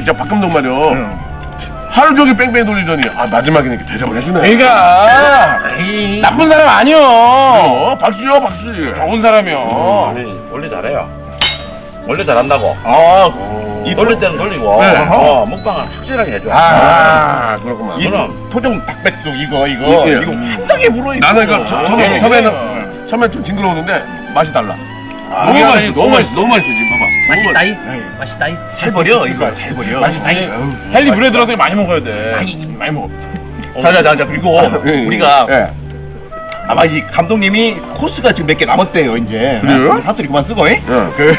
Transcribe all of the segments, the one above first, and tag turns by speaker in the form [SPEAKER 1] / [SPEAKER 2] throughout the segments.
[SPEAKER 1] 진짜 박감독 말이야. 하루 종일 뺑뺑이 돌리더니 마지막에는 이렇게 대접을 해주네.
[SPEAKER 2] 그러니까 나쁜 사람 아니요.
[SPEAKER 1] 박수요 박수.
[SPEAKER 2] 좋은 사람이요.
[SPEAKER 3] 아니 원래 잘해요. 원래 잘한다고.
[SPEAKER 1] 이
[SPEAKER 3] 돌릴 때는 돌리고
[SPEAKER 1] 네.
[SPEAKER 3] 먹방은 확실하게 해줘.
[SPEAKER 1] 그렇구만.
[SPEAKER 4] 이거 토종 닭백숙 이거
[SPEAKER 1] 예.
[SPEAKER 4] 굉장히 물어.
[SPEAKER 1] 나는 이거 처음에 좀 징그러웠는데 맛이 달라. 너무 맛있어 지금 봐봐.
[SPEAKER 5] 맛있다이? 맛있다이?
[SPEAKER 4] 살버려 이거 살버려.
[SPEAKER 5] 맛있다이?
[SPEAKER 2] 헨리 물에 들어서 많이 먹어야 돼. 많이 먹어.
[SPEAKER 4] 자자자 그리고
[SPEAKER 1] 예.
[SPEAKER 4] 우리가
[SPEAKER 1] 예.
[SPEAKER 4] 아마 이 감독님이 코스가 지금 몇 개 남았대요 이제.
[SPEAKER 1] 그래요?
[SPEAKER 4] 사투리 그만 쓰고.
[SPEAKER 1] 예.
[SPEAKER 4] 그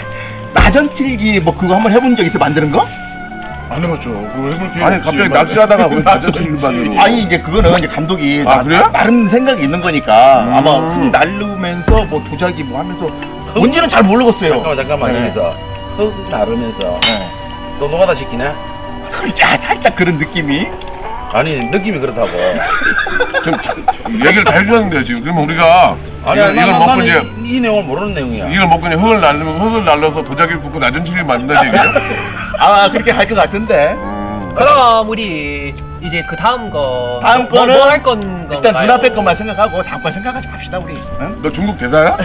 [SPEAKER 4] 나전칠기 뭐 그거 한번 해본 적 있어 만드는 거?
[SPEAKER 2] 안 해봤죠. 그거 해볼 기회
[SPEAKER 1] 아니
[SPEAKER 2] 없지.
[SPEAKER 1] 갑자기 낚시하다가 왜 나전칠기를 만들고?
[SPEAKER 4] 아니 이제 그거는 이제 감독이
[SPEAKER 1] 그래요?
[SPEAKER 4] 나름 생각이 있는 거니까 아마 흙 날르면서 뭐 도자기 뭐 하면서 뭔지는 잘 모르겠어요.
[SPEAKER 3] 잠깐만
[SPEAKER 4] 네.
[SPEAKER 3] 여기서 흙 나르면서 또 노가다 시키네?
[SPEAKER 4] 자 살짝 그런 느낌이.
[SPEAKER 3] 아니 느낌이 그렇다고.
[SPEAKER 1] 얘기를 다 해주셨는데요 지금. 그러면 우리가 이걸 먹고 이제
[SPEAKER 3] 이 내용을 모르는 내용이야.
[SPEAKER 1] 이걸 먹고 이제 흙을 날려서 도자기를 붓고 나전칠기를 만든다는 얘기예요?
[SPEAKER 4] 그렇게 할 것 같은데.
[SPEAKER 5] 그럼 우리 이제 그 다음 거
[SPEAKER 4] 다음 거는
[SPEAKER 5] 뭐 할 건가요?
[SPEAKER 4] 일단 눈앞에 것만 생각하고 다음 거 생각하지 맙시다 우리. 응?
[SPEAKER 1] 너 중국 대사야?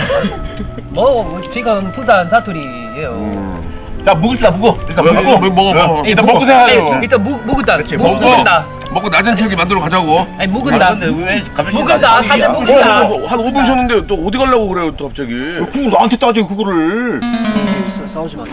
[SPEAKER 5] 뭐 지금 부산 사투리예요.
[SPEAKER 4] 자 묵읍시다 묵어. 일단
[SPEAKER 1] 먹어.
[SPEAKER 2] 일단 먹고 생각하죠.
[SPEAKER 5] 일단 묵은다.
[SPEAKER 4] 그렇지,
[SPEAKER 5] 묵은다.
[SPEAKER 1] 먹고 나전칠기 만들어 가자고.
[SPEAKER 5] 아니 묵은다.
[SPEAKER 3] 근데 왜 갑자기
[SPEAKER 5] 묵은다. 다들 묵은다.
[SPEAKER 1] 한 5분 쉬었는데 또 어디 가려고 그래요 또 갑자기.
[SPEAKER 4] 그거 나한테 따져 그거를.
[SPEAKER 5] 싸우지 마.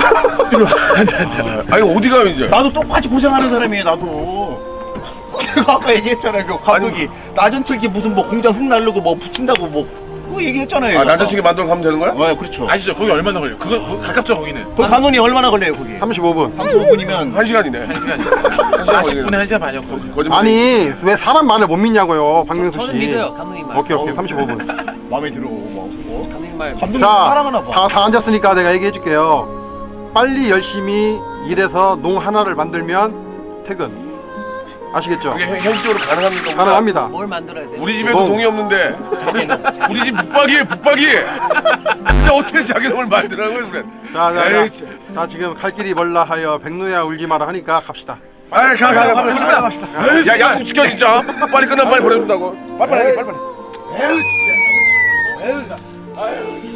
[SPEAKER 1] 아니 어디 가요 이제?
[SPEAKER 4] 나도 똑같이 고생하는 사람이에요 나도. 내가 아까 얘기했잖아요 그 감독이 나전칠기 무슨 뭐 공장 흙 날르고 뭐 붙인다고 뭐 그거 얘기했잖아요.
[SPEAKER 1] 나전칠기 만들어 가면 되는 거야?
[SPEAKER 4] 그렇죠.
[SPEAKER 2] 아시죠? 거기 얼마나 걸려? 그거 가깝죠 거기는.
[SPEAKER 4] 그 간원이 얼마나 걸려요 거기?
[SPEAKER 6] 35분.
[SPEAKER 4] 35분이면
[SPEAKER 1] 1시간이네.
[SPEAKER 2] 1시간이요. 40분에 1시간 반이었고.
[SPEAKER 1] 거짓말.
[SPEAKER 6] 아니 왜 사람 말을 못 믿냐고요, 박명수
[SPEAKER 5] 저는
[SPEAKER 6] 씨.
[SPEAKER 5] 믿어요 감독님 말.
[SPEAKER 6] 오케이 35분.
[SPEAKER 4] 마음에 들어. 뭐.
[SPEAKER 5] 감독님 말.
[SPEAKER 4] 감독님
[SPEAKER 6] 자,
[SPEAKER 4] 사랑하나 봐.
[SPEAKER 6] 다 앉았으니까 내가 얘기해 줄게요. 빨리 열심히 일해서 농 하나를 만들면 퇴근. 아시겠죠?
[SPEAKER 1] 그게 현실적으로 가능합니까?
[SPEAKER 6] 가능합니다.
[SPEAKER 5] 뭘 만들어야 돼?
[SPEAKER 1] 우리 집에도
[SPEAKER 6] 농.
[SPEAKER 1] 농이 없는데 우리 집 붙박이에 붙박이. 진짜 어떻게 자기 놈을 만들라고 그래? 에이,
[SPEAKER 6] 자, 지금 갈 길이 멀라 하여 백누야 울지 마라 하니까 갑시다.
[SPEAKER 1] 갑시다. 야 약속 지켜 진짜. 빨리 끝나 빨리 보내준다고. 빨리.
[SPEAKER 4] 에휴 진짜. 에휴.